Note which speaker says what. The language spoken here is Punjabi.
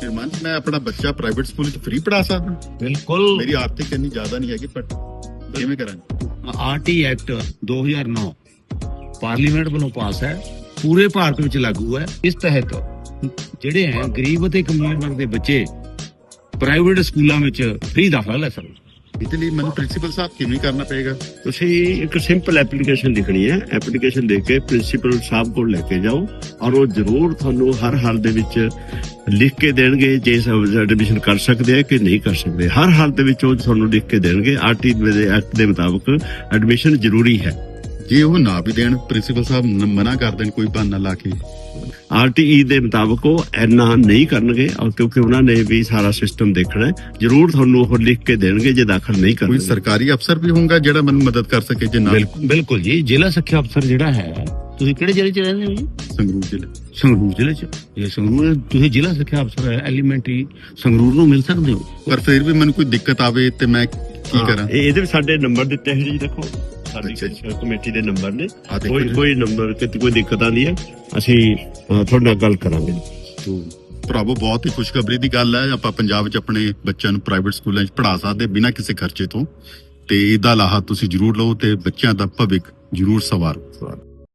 Speaker 1: ਸ਼੍ਰੀਮਾਨ ਮੈਂ ਆਪਣਾ ਬੱਚਾ ਪ੍ਰਾਈਵੇਟ ਸਕੂਲ ਚ ਫ੍ਰੀ ਪੜ੍ਹਾ ਸਕਦਾ?
Speaker 2: ਬਿਲਕੁਲ।
Speaker 1: ਮੇਰੀ ਆਰਥਿਕ ਇੰਨੀ ਜ਼ਿਆਦਾ ਨਹੀਂ ਹੈਗੀ, ਪਰ ਕਿਵੇਂ ਕਰਾਂ?
Speaker 2: ਆਰਟੀ ਐਕਟ 2009 ਪਾਰਲੀਮੈਂਟ ਵੱਲੋਂ ਪਾਸ ਹੈ, ਪੂਰੇ ਭਾਰਤ ਵਿੱਚ ਲਾਗੂ ਹੈ। ਇਸ ਤਹਿਤ ਜਿਹੜੇ ਹੈ ਗਰੀਬ ਅਤੇ ਕਮਜ਼ੋਰ ਵਰਗ ਦੇ ਬੱਚੇ ਪ੍ਰਾਈਵੇਟ ਸਕੂਲਾਂ ਵਿੱਚ ਫ੍ਰੀ ਦਾਖਲਾ ਲੈ ਸਕਦੇ।
Speaker 1: ਇਹਦੇ ਲਈ ਮੈਨੂੰ ਪ੍ਰਿੰਸੀਪਲ ਸਾਹਿਬ ਕਿਵੇਂ ਕਰਨਾ ਪਏਗਾ?
Speaker 3: ਤੁਸੀਂ ਇੱਕ ਸਿੰਪਲ ਐਪਲੀਕੇਸ਼ਨ ਲਿਖਣੀ ਹੈ। ਐਪਲੀਕੇਸ਼ਨ ਦੇ ਕੇ ਪ੍ਰਿੰਸੀਪਲ ਸਾਹਿਬ ਕੋਲ ਲੈ ਕੇ ਜਾਓ, ਔਰ ਉਹ ਜ਼ਰੂਰ ਤੁਹਾਨੂੰ ਹਰ ਹਾਲ ਦੇ ਵਿੱਚ ਲਿਖ ਕੇ ਦੇਣਗੇ ਜੇ ਐਡਮਿਸ਼ਨ ਕਰ ਸਕਦੇ ਆ ਕਿ ਨਹੀਂ ਕਰ ਸਕਦੇ। ਹਰ ਹਾਲ ਦੇ ਵਿੱਚ ਉਹ ਤੁਹਾਨੂੰ ਲਿਖ ਕੇ ਦੇਣਗੇ। ਆਰਟੀ ਦੇ ਐਕਟ ਦੇ ਮੁਤਾਬਕ ਐਡਮਿਸ਼ਨ ਜ਼ਰੂਰੀ ਹੈ।
Speaker 1: ਜੇ ਉਹ ਨਾ ਵੀ ਦੇਣ, ਪ੍ਰਿੰਸੀਪਲ ਸਾਹਿਬ ਮਨਾ ਕਰ ਦੇਣ ਕੋਈ ਬਹਾਨਾ ਲਾ ਕੇ,
Speaker 3: ਆਰਟੀਈ ਦੇ ਮੁਤਾਬਕ ਉਹ ਇੰਨਾ ਨਹੀਂ ਕਰਨਗੇ, ਔਰ ਕਿਉਂਕਿ ਉਹਨਾਂ ਨੇ ਵੀ ਸਾਰਾ ਸਿਸਟਮ ਦੇਖਣਾ ਹੈ। ਜ਼ਰੂਰ ਤੁਹਾਨੂੰ ਉਹ ਲਿਖ ਕੇ ਦੇਣਗੇ ਜੇ ਦਾਖਲ ਨਹੀਂ
Speaker 1: ਕੋਈ
Speaker 3: ਕਰਨਗੇ।
Speaker 1: ਸਰਕਾਰੀ ਅਫਸਰ ਵੀ ਹੋਊਗਾ ਜਿਹੜਾ ਮੈਨੂੰ ਮਦਦ ਕਰ ਸਕੇ ਜੇ ਨਾ?
Speaker 2: ਬਿਲਕੁਲ ਜੀ। ਜ਼ਿਲ੍ਹਾ ਸਿੱਖਿਆ ਅਫਸਰ ਜਿਹੜਾ ਹੈ, ਤੁਸੀਂ ਕਿਹੜੇ ਜ਼ਿਲ੍ਹੇ 'ਚ ਰਹਿੰਦੇ ਹੋ ਜੀ?
Speaker 1: ਸੰਗਰੂਰ ਜ਼ਿਲ੍ਹੇ।
Speaker 2: ਸੰਗਰੂਰ ਜ਼ਿਲ੍ਹੇ 'ਚ। ਇਹ ਸੰਗਰੂਰ ਤੁਸੀਂ ਜ਼ਿਲ੍ਹਾ ਸਿੱਖਿਆ ਅਫਸਰ ਹੈ ਐਲੀਮੈਂਟਰੀ ਸੰਗਰੂਰ ਨੂੰ ਮਿਲ ਸਕਦੇ ਹੋ।
Speaker 1: ਪਰ ਫਿਰ ਵੀ ਮੈਨੂੰ ਕੋਈ ਦਿੱਕਤ ਆਵੇ ਤੇ ਮੈਂ ਕੀ ਕਰਾਂ?
Speaker 3: ਇਹਦੇ ਵਿੱਚ ਸਾਡੇ ਨੰਬਰ ਦਿੱਤੇ ਹੋਏ ਜੀ, ਦੇਖੋ ਸਾਡੀ ਕਮੇਟੀ ਦੇ ਨੰਬਰ ਨੇ। ਕੋਈ ਨੰਬਰ ਕਿਤੇ ਕੋਈ ਦਿੱਕਤ ਆਉਂਦੀ ਹੈ, ਅਸੀਂ ਤੁਹਾਡੇ ਨਾਲ ਗੱਲ ਕਰਾਂਗੇ।
Speaker 1: ਭਰਾਵੋ, ਬਹੁਤ ਹੀ ਖੁਸ਼ਖਬਰੀ ਦੀ ਗੱਲ ਹੈ। ਆਪਾਂ ਪੰਜਾਬ 'ਚ ਆਪਣੇ ਬੱਚਿਆਂ ਨੂੰ ਪ੍ਰਾਈਵੇਟ ਸਕੂਲਾਂ 'ਚ ਪੜ੍ਹਾ ਸਕਦੇ ਬਿਨਾਂ ਕਿਸੇ ਖਰਚੇ ਤੋਂ, ਤੇ ਇਹਦਾ ਲਾਹਾ ਤੁਸੀਂ ਜ਼ਰੂਰ ਲਓ ਤੇ ਬੱਚਿਆਂ ਦਾ ਭਵਿੱਖ ਜ਼ਰੂਰ ਸਵਾਰੋ।